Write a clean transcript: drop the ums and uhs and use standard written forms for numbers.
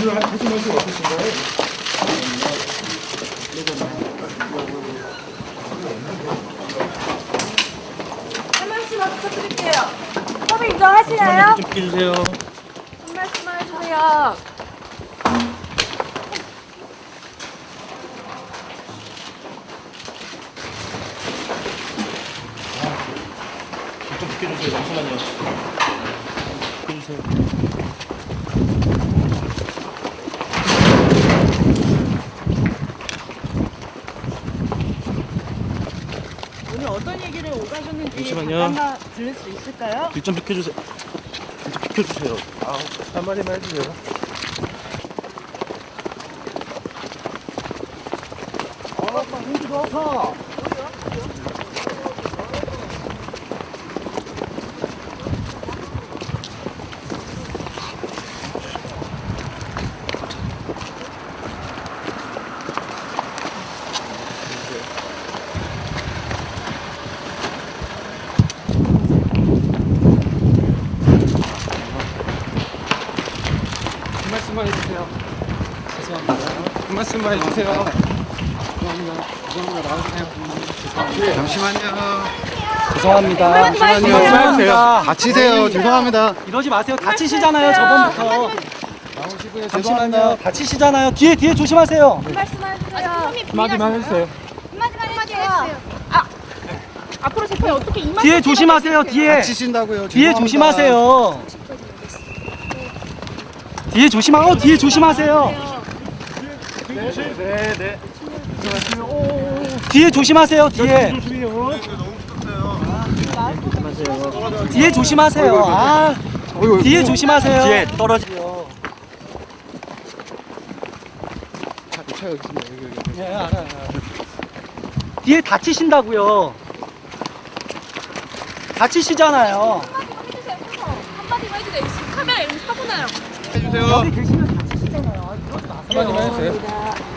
하실 말씀 없으신가요? 한 말씀 부탁드릴게요. 협의 인정하시나요? 좀 비켜주세요. 한 말씀만 해주세요. 좀 비켜주세요. 잠시만요. 비켜주세요. 오늘 어떤 얘기를 오가셨는지 잠시만요. 잠깐만 들을 수 있을까요? 길 좀 비켜주세요. 길 좀 비켜주세요. 한마디만 해주세요. 한 말씀만 해주세요. 죄송합니다. 한 말씀만 해주세요. 죄송합니다. 나와주세요. 잠시만요. 죄송합니다. 말씀하세요. 다치세요. 죄송합니다. 이러지 마세요. 다치시잖아요. 저번부터. 나오시고요. 잠시만요. 다치시잖아요. 뒤에 조심하세요. 한 말씀만 해주세요. 한마디만 해주세요. 한마디만 해주세요. 앞으로 재판이 어떻게 임할 뒤에 조심하세요. 뒤에. 다치신다고요. 뒤에 죄송합니다. 조심하세요. 뒤에 뒤에 조심하세요. 네. 뒤에 조심하세요. 뒤에 조심하세요. 아, 뒤에 조심하세요. 뒤에 떨어지요. 차 여기 있습니다. 여기. 예, 알아요. 뒤에 다치신다고요. 다치시잖아요. 한마디만 해주세요. 지금 카메라 이런 거 사고 나요. 해주세요. 여기 계시면 다치시잖아요. 이러지 마세요. 한마디만 해주세요.